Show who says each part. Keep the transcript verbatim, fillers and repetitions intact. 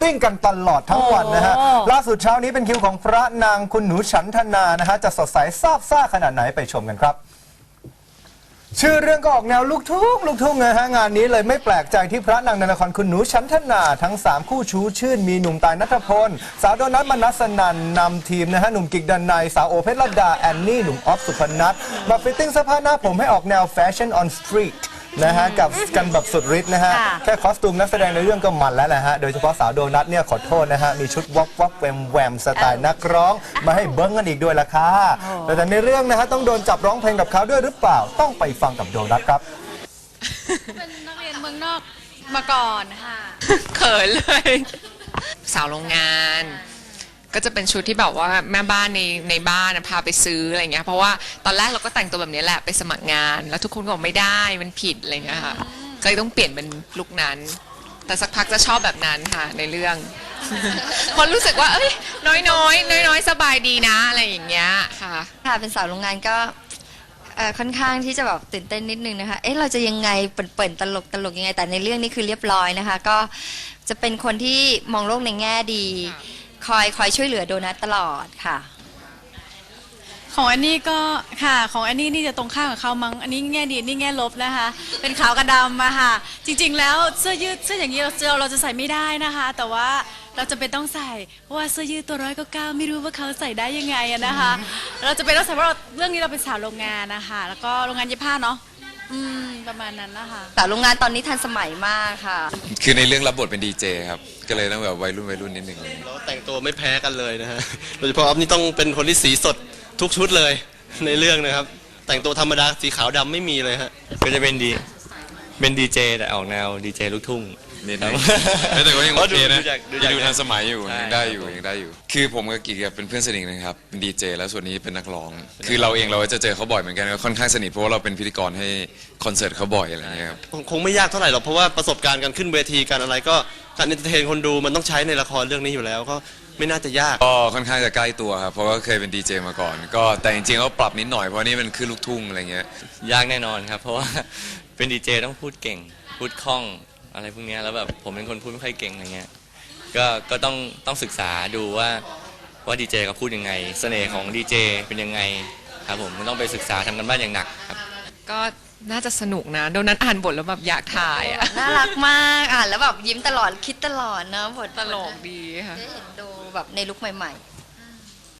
Speaker 1: ติ้งกันตลอดทั้งวันนะฮะล่าสุดเช้านี้เป็นคิวของพระนางคุณหนูฉันทนานะฮะจะสดใสซาบซ่าขนาดไหนไปชมกันครับชื่อเรื่องก็ออกแนวลูกทุ่งลูกทุ่งนะฮะงานนี้เลยไม่แปลกใจที่พระนางในละครคุณหนูฉันทนาทั้งสามคู่ชู้ชื่นมีหนุ่มตายณัฐพลสาวโดนัทมนัสนันนำทีมนะฮะหนุ่มกิกดันไนสาวโอเพชรลดาแอนนี่หนุ่มออฟสุพนัทมาฟิตติ้งเสื้อผ้าหน้าผมให้ออกแนวแฟชั่นออนสตรีทนะฮะกับกันแบบสุดฤทธิ์นะฮะแค่คอสตูมนักแสดงในเรื่องก็มันแล้วแหละฮะโดยเฉพาะสาวโดนัทเนี่ยขอโทษนะฮะมีชุดวอกวอกแวมแวมสไตล์นักร้องมาให้เบิ้งกันอีกด้วยล่ะค่ะแต่ในเรื่องนะฮะต้องโดนจับร้องเพลงกับเขาด้วยหรือเปล่าต้องไปฟังกับโดนัทครับ
Speaker 2: เป็นนักเรียนเมืองนอกมาก่อนค่ะเขินเลยสาวโรงงานก็จะเป็นชุดที่แบบว่าแม่บ้านในในบ้านพาไปซื้ออะไรเงี้ยเพราะว่าตอนแรกเราก็แต่งตัวแบบนี้แหละไปสมัครงานแล้วทุกคนก็บอกไม่ได้มันผิดอะไรเงี้ยค่ะก็เลยต้องเปลี่ยนเป็นลุคนั้นแต่สักพักจะชอบแบบนั้นค่ะในเรื่องคนรู้สึกว่าเอ้ยน้อยน้อยน้อยน้อยสบายดีนะอะไรอย่างเงี้ยค่ะ
Speaker 3: ค่ะเป็นสาวโรงงานก็ค่อนข้างที่จะแบบตื่นเต้นนิดนึงนะคะเอ๊ะเราจะยังไงเปิ่นๆตลกตลกยังไงแต่ในเรื่องนี้คือเรียบร้อยนะคะก็จะเป็นคนที่มองโลกในแง่ดีคอยคอยช่วยเหลือโดนัทตลอดค่ะ
Speaker 4: ของอันนี้ก็ค่ะของอันนี้นี่จะตรงข้ามกับเขามั้งอันนี้แง่ดีนี่แง่ลบนะคะเป็นขาวกับดำอะค่ะจริงๆแล้วเสื้อยืดเสื้ออย่างนี้เราเราจะใส่ไม่ได้นะคะแต่ว่าเราจะเป็นต้องใส่เพราะว่าเสื้อยืดตัวร้อยก็เก้าไม่รู้ว่าเขาใส่ได้ยังไงอะนะคะเราจะเป็นต้องใส่เพราะเรื่องนี้เราเป็นสาวโรงงานนะคะแล้วก็โรงงานเย็บผ้าเนาะอืมประมาณนั้นนะคะ
Speaker 3: สาวโรงงานตอนนี้ทันสมัยมากค่ะ
Speaker 5: คือในเรื่องรับบทเป็นดีเจครับก็เลยต้องแบบวัยรุ่นวัยรุ่นนิดนึง
Speaker 6: แล้วแต่งตัวไม่แพ้กันเลยนะฮะโดยเฉพาะออฟนี่ต้องเป็นคนที่สีสดทุกชุดเลยในเรื่องนะครับแต่งตัวธรรมดาสีขาวดำไม่มีเลยฮะ
Speaker 7: ก็จะเป็นดีเป็นดีเจแต่ออกแนวดีเจลูกทุ่ง
Speaker 5: นิดนึงแต่ก็ยังโอเคนะดูทันสมัยอยู่ยังได้อยู่ยังได้อยู่คือผมกับกิกเป็นเพื่อนสนิทนะครับเป็นดีเจแล้วส่วนนี้เป็นนักร้องคือเราเองเราจะเจอเขาบ่อยเหมือนกันก็ค่อนข้างสนิทเพราะว่าเราเป็นพิธีกรให้คอนเสิร์ตเขาบ่อยอะไรเงี้ยครับ
Speaker 6: คงไม่ยากเท่าไหร่หรอกเพราะว่าประสบการณ์การขึ้นเวทีการอะไรก็การเอนเตอร์เทนคนดูมันต้องใช้ในละครเรื่องนี้อยู่แล้วก็ไม่น่าจะยาก
Speaker 5: ก็ค่อนข้างจะใกล้ตัวครับเพราะว่าเคยเป็นดีเจมาก่อนก็แต่จริงๆก็ปรับนิดหน่อยเพราะนี่มันคือลูกทุ่งอะไรเงี้ย
Speaker 7: ยากแน่นอนครับเพราะว่าเป็นดีเจต้องพูดเก่งพูดคล่องอะไรพวกนี้แล้วแบบผมเป็นคนพูดไม่ค่อยเก่งอะไรเงี้ยก็ก็ต้องต้องศึกษาดูว่าว่าดีเจเขาพูดยังไงเสน่ห์ของดีเจเป็นยังไงครับผมต้องไปศึกษาทำกันบ้านอย่างหนักครับ
Speaker 2: ก็น่าจะสนุกนะโดนัทอ่านบทแล้วแบบอยากถ่ายอ่ะ
Speaker 3: น่ารักมากอ่านแล้วแบบยิ้มตลอดคิดตลอดเนาะบท
Speaker 2: ตลกดีค่ะ
Speaker 3: ได้เห็นดูแบบในลุคใหม่ๆ